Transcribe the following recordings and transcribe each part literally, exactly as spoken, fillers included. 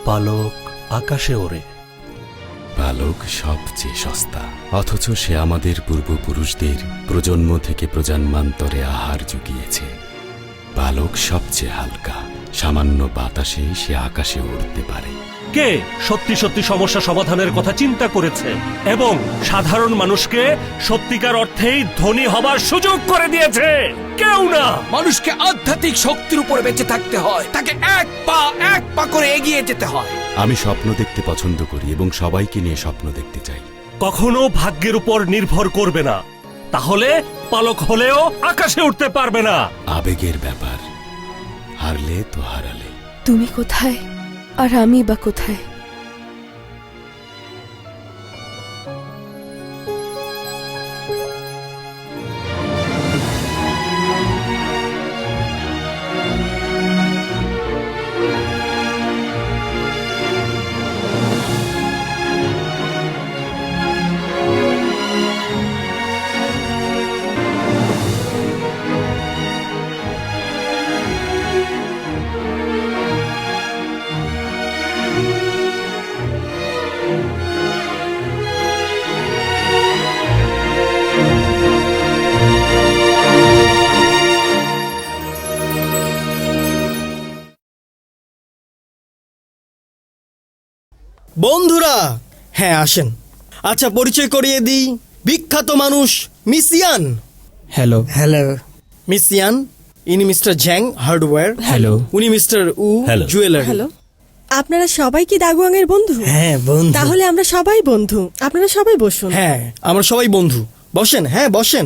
পালক আকাশে ওড়ে। পালক সবচেয়ে সস্তা, অথচ সে আমাদের পূর্বপুরুষদের প্রজন্ম থেকে প্রজন্মান্তরে আহার জুগিয়েছে। পালক সবচেয়ে হালকা, সামান্য বাতাসে সে আকাশে উড়তে পারে। কে সত্যি সত্যি সমস্যা সমাধানের কথা চিন্তা করেছে এবং সাধারণ মানুষকে সত্যিকার অর্থেই ধনী হবার সুযোগ করে দিয়েছে? কেউ না। মানুষকে আধ্যাত্মিক শক্তির উপরে বেঁচে থাকতে হয়, তাকে এক পা এক পা করে এগিয়ে যেতে হয়। আমি স্বপ্ন দেখতে পছন্দ করি এবং সবাইকে নিয়ে স্বপ্ন দেখতে চাই। কখনো ভাগ্যের উপর নির্ভর করবে না, তাহলে পালক হলেও আকাশে উঠতে পারবে না। আবেগের ব্যাপার, হারলে তো হারালে। তুমি কোথায় আর আমি বা কোথায়? বন্ধুরা, হ্যাঁ আসেন। আচ্ছা, পরিচয় করিয়ে দিই। বিখ্যাত মানুষ miss Yan. Hello. Hello miss Yan. ইনি মিস্টার জ্যাং হার্ডওয়্যার। হ্যালো। উনি mister Wu hello. Jewellery. Hello. আপনারা সবাই কি দাগুয়াংয়ের বন্ধু? হ্যাঁ বন্ধু। তাহলে আমরা সবাই বন্ধু, আপনারা সবাই বসুন। হ্যাঁ, আমরা সবাই বন্ধু। বসেন, হ্যাঁ বসেন।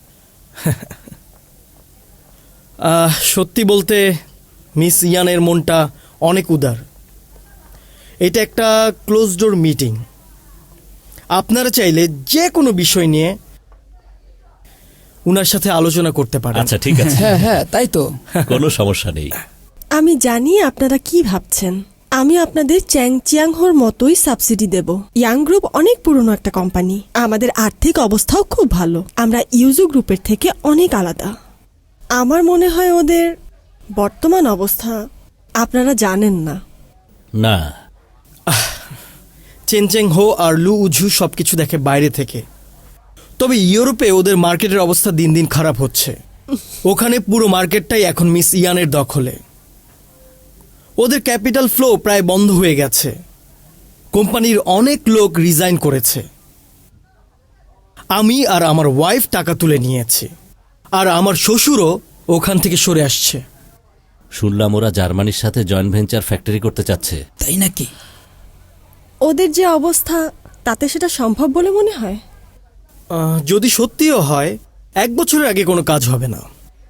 আহ, সত্যি বলতে মিস ইয়ানের মনটা অনেক উদার। এটা একটা ক্লোজ ডোর মিটিং। আপনারা চাইলে যে কোনো বিষয় নিয়ে উনার সাথে আলোচনা করতে পারেন। আচ্ছা ঠিক আছে, হ্যাঁ হ্যাঁ তাই তো। কোনো সমস্যা নেই। আমি জানি আপনারা কি ভাবছেন। আমি আপনাদের চ্যাং চিয়াংহোর মতোই সাবসিডি দেব। ইয়াং গ্রুপ অনেক পুরনো একটা কোম্পানি, আমাদের আর্থিক অবস্থাও খুব ভালো। আমরা ইউজু গ্রুপের থেকে অনেক আলাদা। আমার মনে হয় ওদের বর্তমান অবস্থা আপনারা জানেন না। না, চেনচেং হো আর লু উঝু সবকিছু দেখে বাইরে থেকে। তবে ইউরোপে ওদের মার্কেটের অবস্থা দিন দিন খারাপ হচ্ছে। ওখানে পুরো মার্কেটটাই এখন মিস ইয়ানের দখলে। ওদের ক্যাপিটাল ফ্লো প্রায় বন্ধ হয়ে গেছে। কোম্পানির অনেক লোক রিজাইন করেছে। আমি আর আমার ওয়াইফ টাকা তুলে নিয়েছি, আর আমার শ্বশুরও ওখান থেকে সরে আসছে। শুনলাম ওরা জার্মানির সাথে জয়েন্ট ভেঞ্চার ফ্যাক্টরি করতে চাচ্ছে। তাই নাকি? ওদের যে অবস্থা, তাতে সেটা সম্ভব বলে মনে হয়? আহ, যদি সত্যিও হয়, এক বছরের আগে কোনো কাজ হবে না।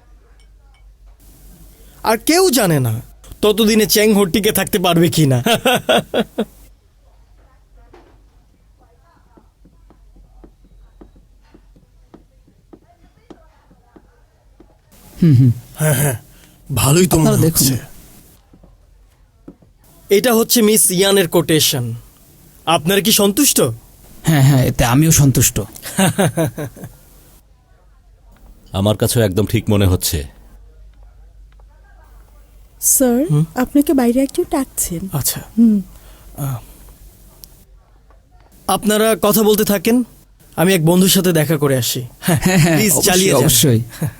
আর কেউ জানে না ততদিনে চ্যাং হো টিকে থাকতে পারবে কি না। হ্যাঁ হ্যাঁ, ভালোই তো মনে হচ্ছে। এটা হচ্ছে মিস ইয়ানের কোটেশন। আপনারা কি সন্তুষ্ট? হ্যাঁ হ্যাঁ, এতে আমিও সন্তুষ্ট। আমার কাছেও একদম ঠিক মনে হচ্ছে। স্যার, আপনাকে বাইরে একজন ডাকছেন। আচ্ছা, আহ, আপনারা কথা বলতে থাকেন, আমি এক বন্ধুর সাথে দেখা করে আসি। হ্যাঁ হ্যাঁ, প্লিজ অবশ্যই, চালিয়ে যান। অবশ্যই।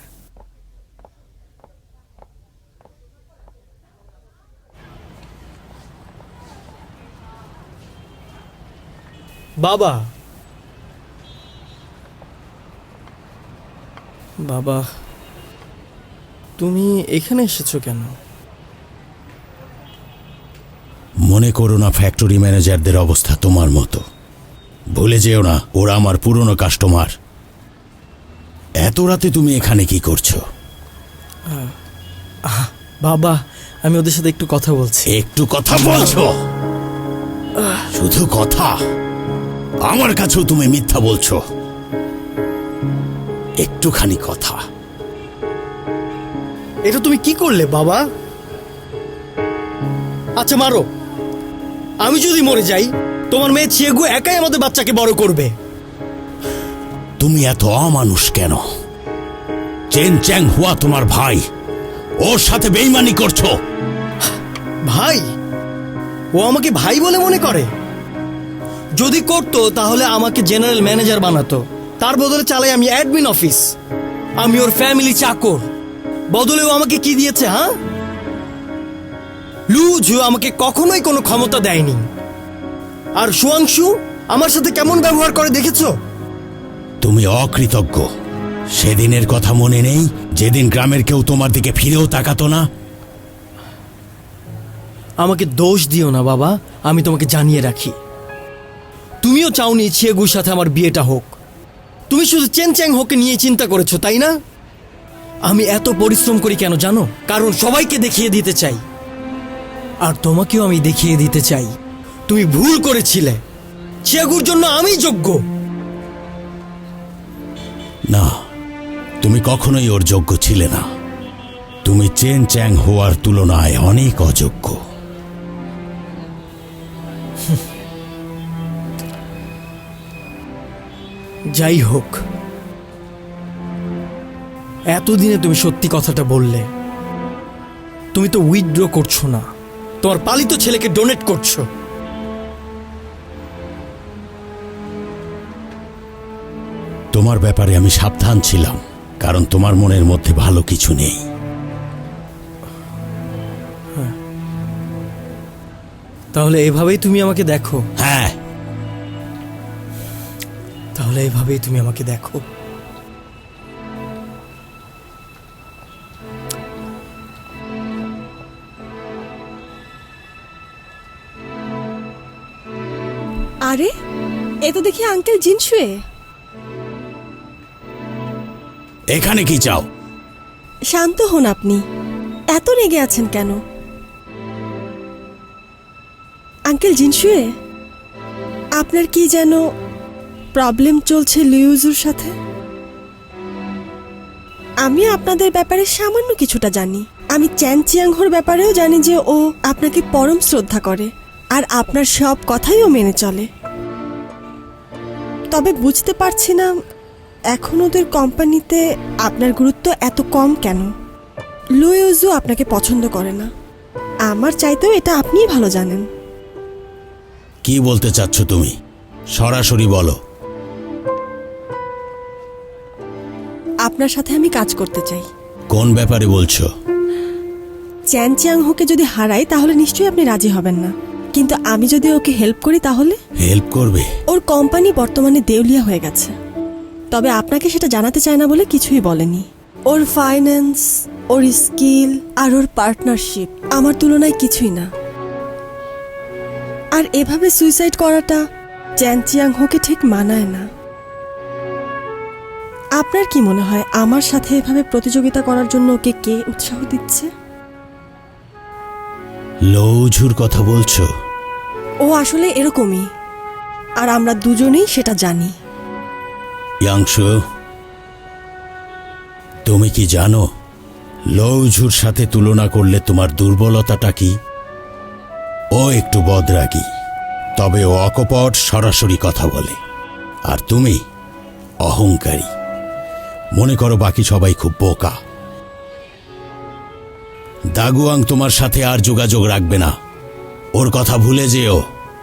বাবা, বাবা, তুমি এখানে এসেছো কেন? মনে করো না ফ্যাক্টরি ম্যানেজারদের অবস্থা তোমার মতো। ভুলে যেও না, ওরা আমার পুরনো কাস্টমার। এত রাতে তুমি এখানে কি করছো? বাবা, আমি ওদের সাথে একটু কথা বলছি। একটু কথা বলছো? শুধু কথা? আমার কাছেও তুমি মিথ্যা বলছো। একটুখানি কথা। এটা তুমি কি করলে বাবা? আচ্ছা মারো। আমি যদি মরে যাই, তোমার মেয়ে চিয়েগু একাই আমাদের বাচ্চাকে বড় করবে। তুমি এত অমানুষ কেন? চেন চ্যাং হুয়া তোমার ভাই, ওর সাথে বেইমানি করছো। ভাই? ও আমাকে ভাই বলে মনে করে? যদি করতো তাহলে আমাকে জেনারেল ম্যানেজার বানাতো, তার বদলে চালাই আমি অ্যাডমিন অফিস। আমি ওর ফ্যামিলি চাকর, বদলে ও আমাকে কি দিয়েছে? হ্যাঁ, লুজু আমাকে কখনোই কোনো ক্ষমতা দেয়নি। আর সুয়াংশু আমার সাথে কেমন ব্যবহার করে দেখেছো? তুমি অকৃতজ্ঞ। সেদিনের কথা মনে নেই, যেদিন গ্রামের কেউ তোমার দিকে ফিরেও তাকাতো না? আমাকে দোষ দিও না বাবা, আমি তোমাকে জানিয়ে রাখি, তুমিও চাওনি চিয়েগুর সাথে আমার বিয়েটা হোক। তুমি শুধু চেন চ্যাং হোকে নিয়ে চিন্তা করেছো, তাই না? আমি এত পরিশ্রম করি কেন জানো? কারণ সবাইকে দেখিয়ে দিতে চাই, আর তোমাকেও আমি দেখিয়ে দিতে চাই তুমি ভুল করেছিলে। চিয়েগুর জন্য আমি যোগ্য। না, তুমি কখনোই ওর যোগ্য ছিলে না। তুমি চেন চ্যাং হওয়ার তুলনায় অনেক অযোগ্য। যাই হোক, এতদিনে তুমি সত্যি কথাটা বললে। তুমি তো উইথড্র করছো না, তোমার পালিত ছেলেকে ডোনেট করছো। তোমার ব্যাপারে আমি সাবধান ছিলাম, কারণ তোমার মনের মধ্যে ভালো কিছু নেই। তাহলে এভাবেই তুমি আমাকে দেখো? হ্যাঁ, তাহলে এভাবেই তুমি আমাকে দেখো। আরে, এ তো দেখি আঙ্কেল জিনশুয়ে। এখানে কি চাও? শান্ত হন আপনি, এত রেগে আছেন কেন? আঙ্কেল জিনশুয়ে, আপনার কি যেন প্রবলেম চলছে লিউজুর সাথে? আমি আপনাদের ব্যাপারে সামান্য কিছুটা জানি। আমি চ্যান চিয়াংহোর ব্যাপারেও জানি যে ও আপনাকে পরম শ্রদ্ধা করে, আর আপনার সব কথাই ও মেনে চলে। তবে বুঝতে পারছি না এখন ওদের কোম্পানিতে আপনার গুরুত্ব এত কম কেন। লুইজু আপনাকে পছন্দ করে না, আমার চাইতেও এটা আপনিই ভালো জানেন। কি বলতে চাচ্ছ তুমি? সরাসরি বলো। আপনার সাথে আমি কাজ করতে চাই। কোন ব্যাপারে বলছো? চ্যান চিয়াংহোকে যদি হারাই তাহলে নিশ্চয়ই আপনি রাজি হবেন না, কিন্তু আমি যদি ওকে হেল্প করি তাহলে? হেল্প করবে? ওর কোম্পানি বর্তমানে দেউলিয়া হয়ে গেছে, তবে আপনাকে সেটা জানাতে চায় না বলে কিছুই বলেনি। ওর ফাইন্যান্স, ওর স্কিল আর ওর পার্টনারশিপ আমার তুলনায় কিছুই না। আর এভাবে সুইসাইড করাটা চ্যান চিয়াংহোকে ঠিক মানায় না। আপনার কি মনে হয় আমার সাথে এভাবে প্রতিযোগিতা করার জন্য ওকে কে উৎসাহ দিচ্ছে? লৌঝুর কথা বলছো? ও আসলে এরকমই, আর আমরা দুজনেই সেটা জানি। ইয়াংশু, তুমি কি জানো লৌঝুর সাথে তুলনা করলে তোমার দুর্বলতাটা কি? ও একটু বদরাগী, তবে ও অকপট, সরাসরি কথা বলে। আর তুমি অহংকারী। মনে করো বাকি সবাই খুব বোকা। দাগুয়াং তোমার সাথে আর যোগাযোগ রাখবে না, ওর কথা ভুলে যেও।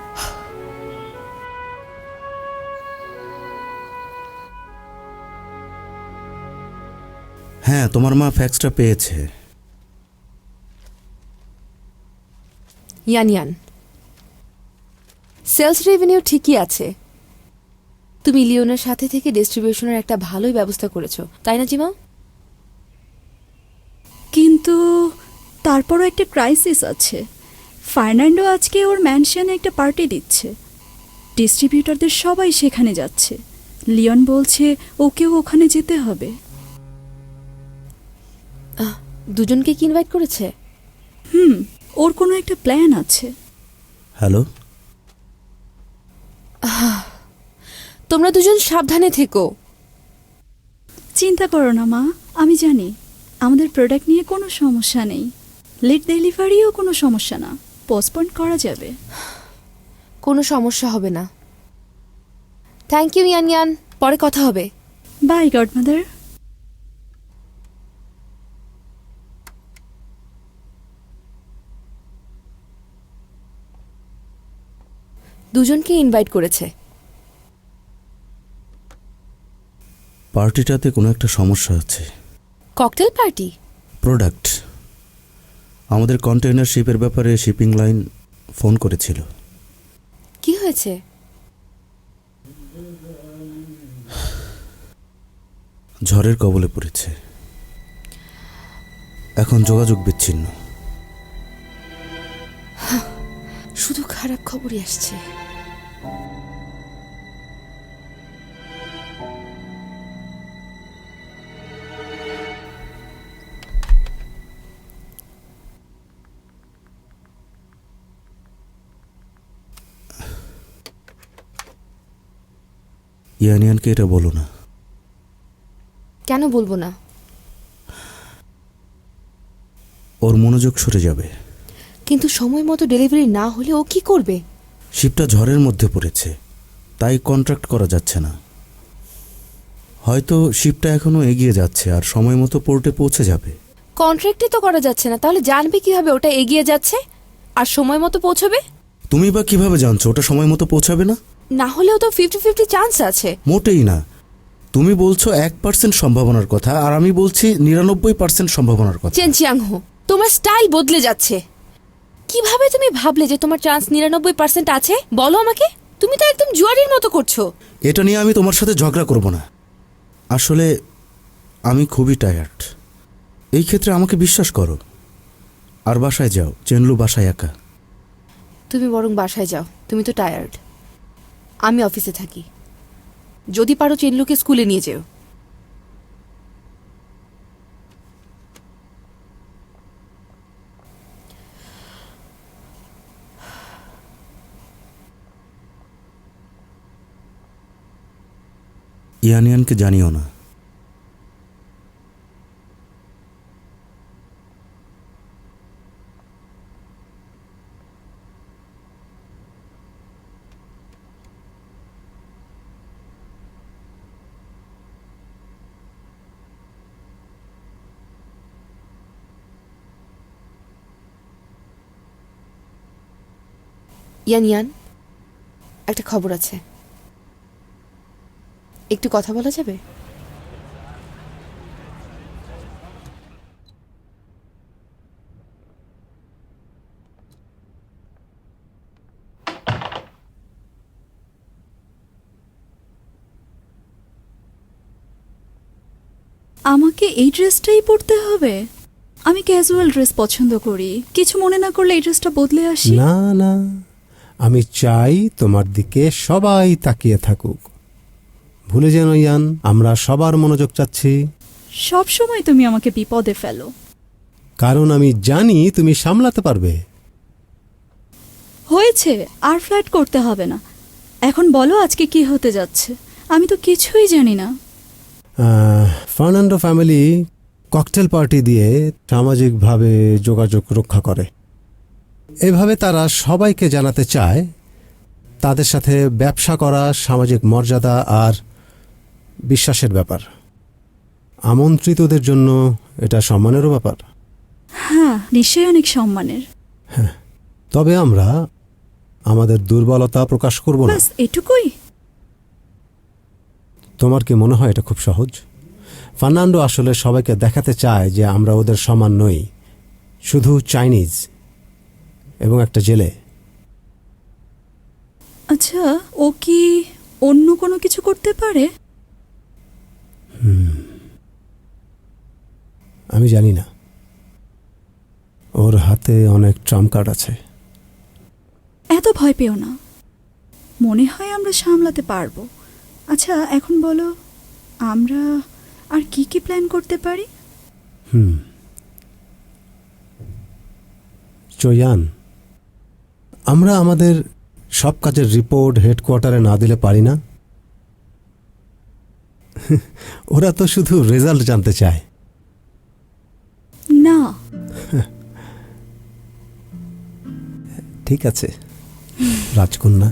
হ্যাঁ, তোমার মা ফ্যাক্সটা পেয়েছে। ইয়ান ইয়ান, সেলস রেভিনিউ ঠিকই আছে। তুমি লিওনের সাথে থেকে ডিস্ট্রিবিউশনের একটা ভালোই ব্যবস্থা করেছো, তাই না জিমা? কিন্তু তারপরও একটা ক্রাইসিস আছে। ফার্নান্ডো আজকে ওর ম্যানশনে একটা পার্টি দিচ্ছে, ডিস্ট্রিবিউটরদের সবাই সেখানে যাচ্ছে। লিওন বলছে ওকেও ওখানে যেতে হবে। দুজনকে কি ইনভাইট করেছে? হুম, ওর কোনো একটা প্ল্যান আছে। হ্যালো, তোমরা দুজন সাবধানে থেকো। চিন্তা করো না মা, আমি জানি আমাদের প্রোডাক্ট নিয়ে কোনো সমস্যা নেই। লেট ডেলিভারিও কোনো সমস্যা না, পোস্টপোন করা যাবে। কোনো সমস্যা হবে না। থ্যাংক ইউ ইয়ান ইয়ান, পরে কথা হবে। By godmother. দুজনকে ইনভাইট করেছে। পার্টিটাতে কোনো একটা সমস্যা আছে। Cocktail party? প্রোডাক্ট, আমাদের কন্টেইনার শিপের ব্যাপারে শিপিং লাইন ফোন করেছিল। কি হয়েছে? ঝড়ের কবলে পড়েছে, এখন যোগাযোগ বিচ্ছিন্ন। শুধু খারাপ খবরই আসছে। ইয়ানিয়ানকে এটা বলো না। কেন বলবো না? ওর মনোযোগ সরে যাবে। কিন্তু সময় মতো ডেলিভারি না হলে ও কি করবে? শিপটা ঝড়ের মধ্যে পড়েছে, তাই কন্ট্রাক্ট করা যাচ্ছে না। হয়তো শিপটা এখনো এগিয়ে যাচ্ছে আর সময় মতো পোর্টে পৌঁছে যাবে। কন্ট্রাক্টই তো করা যাচ্ছে না, তাহলে জানবে কিভাবে ওটা এগিয়ে যাচ্ছে আর সময় মতো পৌঁছবে? তুমি বা কিভাবে জানছো ওটা সময় মতো পৌঁছাবে না? না হলেও তো ফিফটি ফিফটি চান্স আছে। মোটেই না। তুমি বলছো এক পার্সেন্ট সম্ভাবনার কথা আর আমি বলছি নিরানব্বই পার্সেন্ট সম্ভাবনার কথা। চেন চিয়াংহো, তোমার স্টাইল বদলে যাচ্ছে। কিভাবে তুমি ভাবলে যে তোমার চান্স নিরানব্বই পার্সেন্ট আছে? বলো আমাকে। তুমি তো একদম জুয়ারির মতো করছো। এটা নিয়ে আমি তোমার সাথে ঝগড়া করব না। আসলে আমি খুবই টায়ার্ড। এই ক্ষেত্রে আমাকে বিশ্বাস করো আর বাসায় যাও। চেনলু বাসায় একা। তুমি বরং বাসায় যাও, তুমি তো টায়ার্ড। আমি অফিসে থাকি। যদি পারো চেনলুকে স্কুলে নিয়ে যেও। ইয়ানিয়ানকে জানিও না। ইয়ান ইয়ান, একটা খবর আছে, একটু কথা বলা যাবে? আমাকে এই ড্রেসটাই পরতে হবে? আমি ক্যাজুয়াল ড্রেস পছন্দ করি। কিছু মনে না করলে এই ড্রেসটা বদলে আসি। না না, আমি চাই তোমার দিকে সবাই তাকিয়ে থাকুক। ভুলে যেন ইয়ান, আমরা সবার মনোযোগ চাচ্ছি। সব সময় তুমি আমাকে বিপদে ফেলো। কারণ আমি জানি তুমি সামলাতে পারবে। হয়েছে, আর ফ্ল্যাট করতে হবে না। এখন বলো আজকে কি হতে যাচ্ছে? আমি তো কিছুই জানি না। আহ, ফার্নান্ডো ফ্যামিলি ককটেল পার্টি দিয়ে সামাজিকভাবে যোগাযোগ রক্ষা করে। এভাবে তারা সবাইকে জানাতে চায় তাদের সাথে ব্যবসা করা সামাজিক মর্যাদা আর বিশ্বাসের ব্যাপার। আমন্ত্রিতদের জন্য এটা সম্মানেরও ব্যাপার। হ্যাঁ, নিশ্চয়ই অনেক সম্মানের। তবে আমরা আমাদের দুর্বলতা প্রকাশ করব না। ব্যাস এটুকুই। তোমার কি মনে হয় এটা খুব সহজ? ফার্নান্ডো আসলে সবাইকে দেখাতে চায় যে আমরা ওদের সমান নই, শুধু চাইনিজ এবং একটা জেলে। আচ্ছা, ও কি অন্য কোনো কিছু করতে পারে? হুম, আমি জানি না। ওর হাতে অনেক ট্রাম্প কার্ড আছে। এত ভয় পেও না, মনে হয় আমরা সামলাতে পারবো। আচ্ছা, এখন বলো আমরা আর কি কি প্ল্যান করতে পারি? হুম চয়ান, আমরা আমাদের সব কাজের রিপোর্ট হেডকোয়ার্টারে না দিলে পারি না? ওরা তো শুধু রেজাল্ট জানতে চায়। না। ঠিক আছে রাজকন্যা।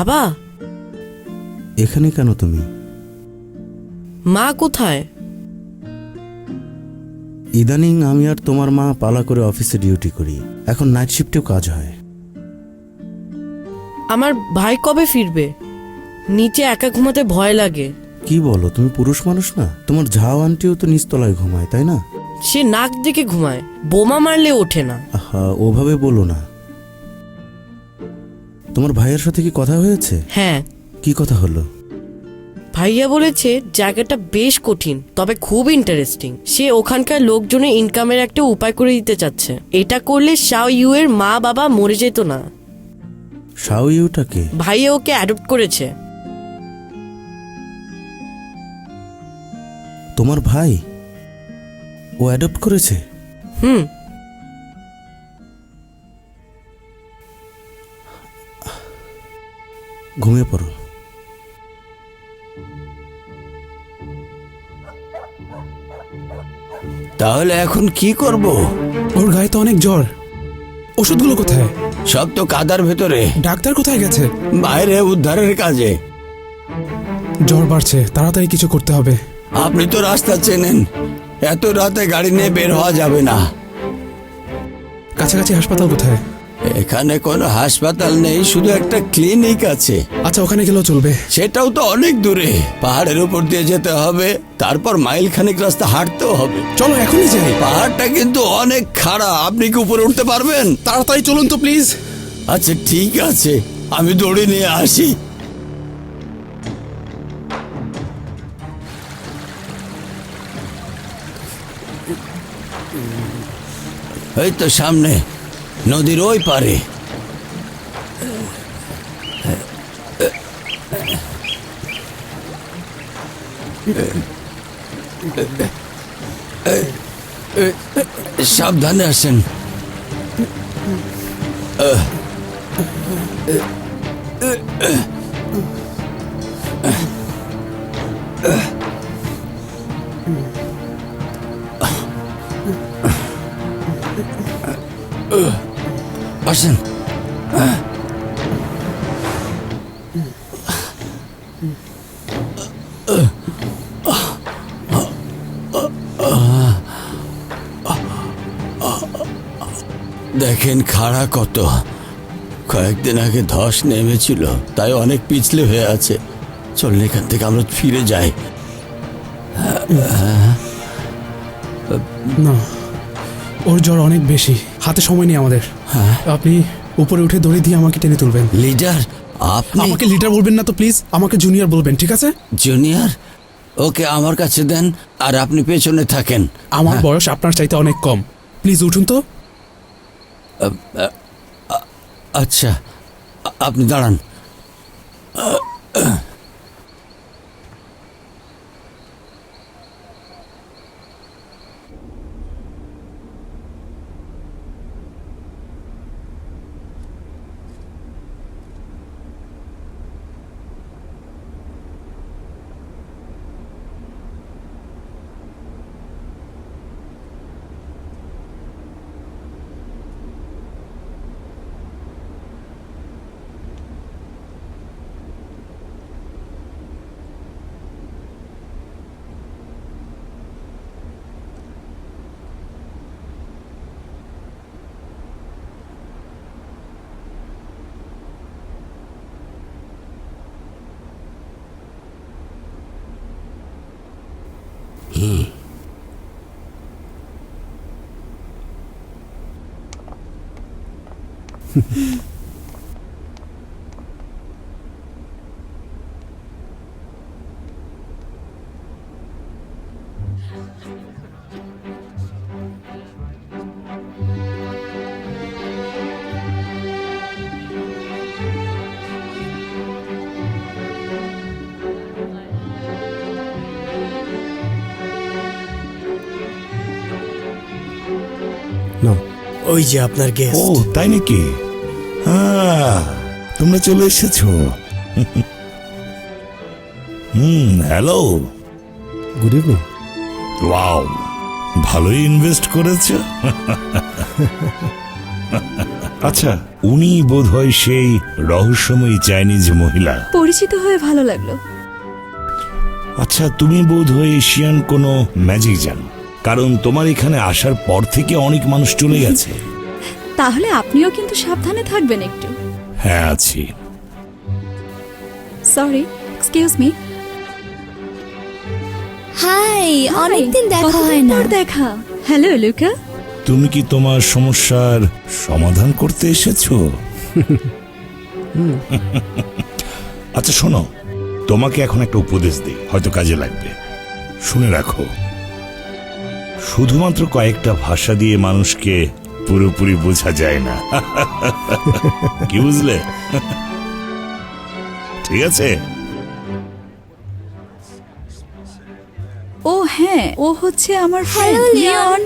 বাবা, এখানে কেন তুমি? মা কোথায়? ইদানিং আমি আর তোমার মা পালা করে অফিসে ডিউটি করি, এখন নাইট শিফটেও কাজ হয়। আমার ভাই কবে ফিরবে? নিচে একা ঘুমাতে ভয় লাগে। কি বলো, তুমি পুরুষ মানুষ না? তোমার ঝাও আন্টিও তো নিচতলায় ঘুমায়, তাই না? সে নাক দেখে ঘুমায়, বোমা মারলে ওঠে না। আহা, ওভাবে বলো না। তোমার ভাইয়ের সাথে কি কথা হয়েছে? হ্যাঁ। কি কথা হলো? ভাইয়া বলেছে জায়গাটা বেশ কঠিন, তবে খুব ইন্টারেস্টিং। সে ওখানকার লোকজনের ইনকামের একটা উপায় করে দিতে চাচ্ছে। এটা করলে শাও ইউ এর মা বাবা মরে যেত না। শাও ইউটাকে? ভাইয়া ওকে অ্যাডপ্ট করেছে। তোমার ভাই ও অ্যাডপ্ট করেছে? হুম। ঘুমিয়ে পড়ো। তাহলে এখন কি করব? ওর গায়ে তো অনেক জ্বর। ওষুধগুলো কোথায়? সব তো কাদার ভেতরে। ডাক্তার কোথায় গেছে? বাইরে উদ্ধারের কাজে। জ্বর বাড়ছে, তাড়াতাড়ি কিছু করতে হবে। আপনি তো রাস্তা চেনেন, এত রাতে গাড়ি নিয়ে বের হওয়া যাবে না। কাছাকাছি হাসপাতাল কোথায়? এখানে কোনো হাসপাতাল নেই, শুধু একটা ক্লিনিক আছে। আচ্ছা, ওখানে গেলেও চলবে। সেটাও তো অনেক দূরে, পাহাড়ের উপর দিয়ে যেতে হবে, তারপর মাইল খানিক রাস্তা হাঁটতেও হবে। চলো এখনই যাই। পাহাড়টা কিন্তু অনেক খাড়া, আপনি কি উপরে উঠতে পারবেন? তাড়াতাড়ি চলুন তো প্লিজ। আচ্ছা ঠিক আছে, আমি দড়ি নিয়ে আসি। এই তো সামনে, নদীর ওই পারে। সাবধানে আসেন। আসেন। দেখেন খাড়া কত, কয়েকদিন আগে ধস নেমেছিল, তাই অনেক পিছলে হয়ে আছে। চলুন এখান থেকে আমরা ফিরে যাই। না, ওর জ্বর অনেক বেশি, হাতে সময় নেই আমাদের। আপনি উপরে উঠে দড়ি দিয়ে আমাকে টেনে তুলবেন। লিডার, আপনি আমাকে লিডার বলবেন না তো প্লিজ, আমাকে জুনিয়র বলবেন, ঠিক আছে? জুনিয়র? ওকে আমার কাছে দেন, আর আপনি পেছনে থাকেন। আমার বয়স আপনার চাইতে অনেক কম, প্লিজ উঠুন তো। আচ্ছা, আপনি দাঁড়ান। হুম। ওই যে আপনার গেস্ট। ও তাই নাকি? হ্যাঁ, তোমরা চলে এসেছো। Hmm, hello, good evening. Wow, ভালোই ইনভেস্ট করেছো। আচ্ছা, উনি বোধহয় সেই রহস্যময়ী চাইনিজ মহিলা। পরিচিত হয়ে ভালো লাগলো। আচ্ছা, তুমি বোধহয় এশিয়ান কোনো ম্যাজিক জানো, কারণ তোমার এখানে আসার পর থেকে অনেক মানুষ চলে গেছে। তাহলে আপনিও কিন্তু সাবধানে থাকবেন একটু। হ্যাঁ, আছি। Sorry, excuse me. হাই, অনেকদিন দেখা হয় না। দেখা। Hello Luca. তুমি কি তোমার সমস্যার সমাধান করতে এসেছো? আচ্ছা শোনো, তোমাকে এখন একটা উপদেশ দিই, হয়তো কাজে লাগবে। শুনে রাখো, শুধুমাত্র কয়েকটা ভাষা দিয়ে মানুষকে পুরোপুরি বোঝা যায় না। কি বুঝলে? ঠিক আছে। ও হ্যাঁ, ও হচ্ছে আমার ফ্রেন্ড লিওন।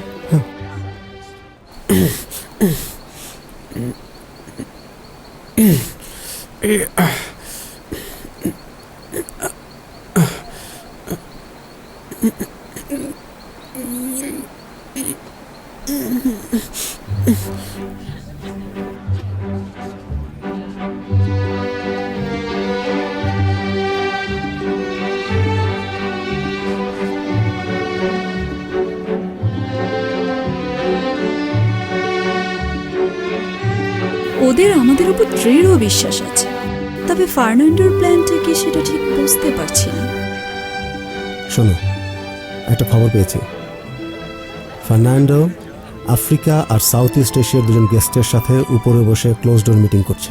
ওদের আমাদের উপর দৃঢ় বিশ্বাস আছে, তবে ফার্নান্ডোর প্ল্যানটা কি সেটা ঠিক বুঝতে পারছি না। শোনো, একটা খবর পেয়েছি। ফার্নান্ডো আফ্রিকা আর সাউথ ইস্ট এশিয়ার দুজন গেস্টের সাথে উপরে বসে ক্লোজ ডোর মিটিং করছে।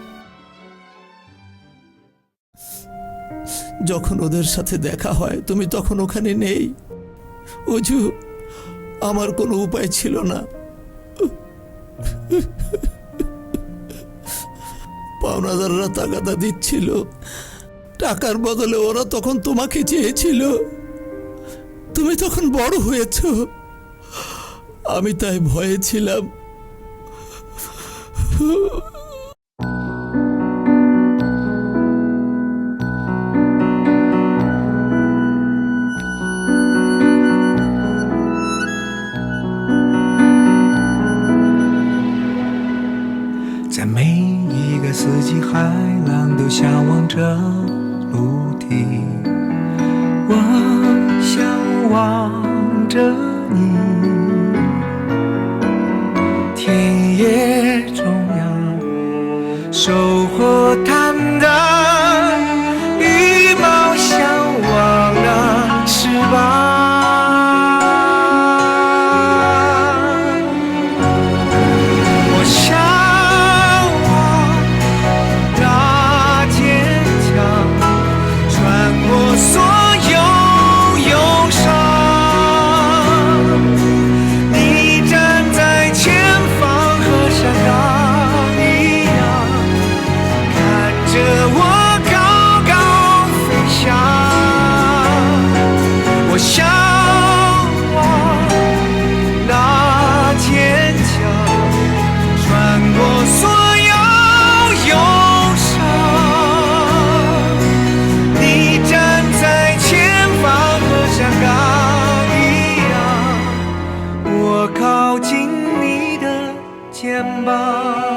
যখন ওদের সাথে দেখা হয় তুমি তখন ওখানে নেই। অজু, আমার কোনো উপায় ছিল না। পাওনাদাররা তাগাদা দিচ্ছিল, টাকার বদলে ওরা তখন তোমাকে চেয়েছিল। তুমি তখন বড় হয়েছ, আমি তাই ভয়ে ছিলাম। 在每一个四季，海浪都向往着陆地。我向往着你，田野中央，收获坦荡，羽毛向往那翅膀。我向往那坚强，穿过所有忧伤。你站在前方，和山岗一样，看着我高高飞翔。我向往那坚强，穿过所有忧伤。你站在前方，和山岗一样，我靠近你的肩膀。